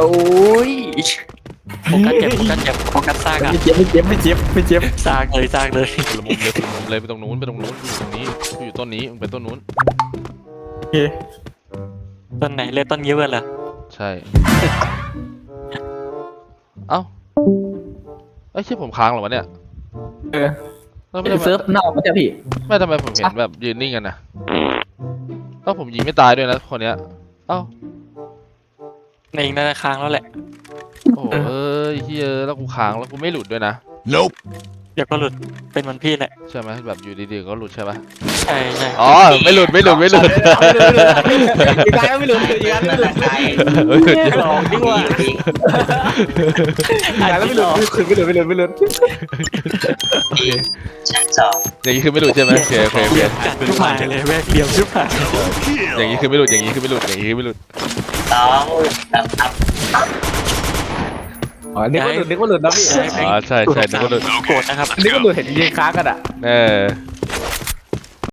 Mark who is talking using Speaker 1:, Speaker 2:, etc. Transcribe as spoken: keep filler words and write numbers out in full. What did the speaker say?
Speaker 1: โอ้ยโฟกัสเจ็บโฟกัสเจ็บโฟกัสซากอะ
Speaker 2: ไม่เจ็บไม่เจ็บไม่เจ็บไม่เจ็บ
Speaker 1: ซากเลยซากเลย
Speaker 3: คนละมุมเลยคนละมุมเลยไปตรงนู้นไปตรงนู้นอยู่ตรงนี้อยู่ต้นนี้มึงไปต้นนู้น
Speaker 2: โอเค
Speaker 1: ต้นไหนเลยต้นยิ้วเหรอ
Speaker 3: ใช่เอ้าไอ้ยใช่ผมค้างเหรอวะเนี่ย
Speaker 2: เออ
Speaker 3: แล้วไม่ทำไม
Speaker 2: เซิร์ฟนอกมันจะพี่
Speaker 3: ไม่ทำไมผมเห็นแบบยืนนิ่งกันนะเอ้าผมยิงไม่ตายด้วยนะคนเนี้ยเอ้า
Speaker 1: ในอีกน่าจะค้างแล้วแหละ
Speaker 3: โอ้เอ้ยเฮียแล้วกูค้างแล้วกูไม่หลุดด้วยนะ
Speaker 4: Nope.
Speaker 1: เดี๋ยวก็หลุดเป็นเหมือนพี่แหละ
Speaker 3: ใช่ไหมแบบอยู่ดีๆก็หลุดใช่ปะ
Speaker 1: ใช่ใช่
Speaker 3: อ๋อไม่หลุดไม่หลุดไม่หลุด
Speaker 2: อีกการไม่หลุดอีกการไม่หลุด
Speaker 3: ไม่หลุด
Speaker 1: หลอกดีกว่า
Speaker 2: อีกการไม่หลุดไม่หลุดไม่หลุดไม่หลุด
Speaker 3: อย่างนี้คือไม่หลุดใช่ไหมโอเคโอเคโอ
Speaker 1: เห
Speaker 3: เค
Speaker 1: ลี่ยมจัดทุกหมายเลยแม่งเหลี่ยมทุกหมาย
Speaker 3: อย่างนี้คือไม่หลุดอย่างนี้คือไม่หลุดอย่างนี้คือไม่หลุด
Speaker 2: อ๋อนึกว่าหลุดนึกว่าหลุดนะพี่
Speaker 3: อ๋อใช่ใช่นึกว่าหลุด
Speaker 1: โกรธนะครับ
Speaker 2: นึกว่าหลุดเห็นยิงค้างกันอ่ะ
Speaker 3: เออ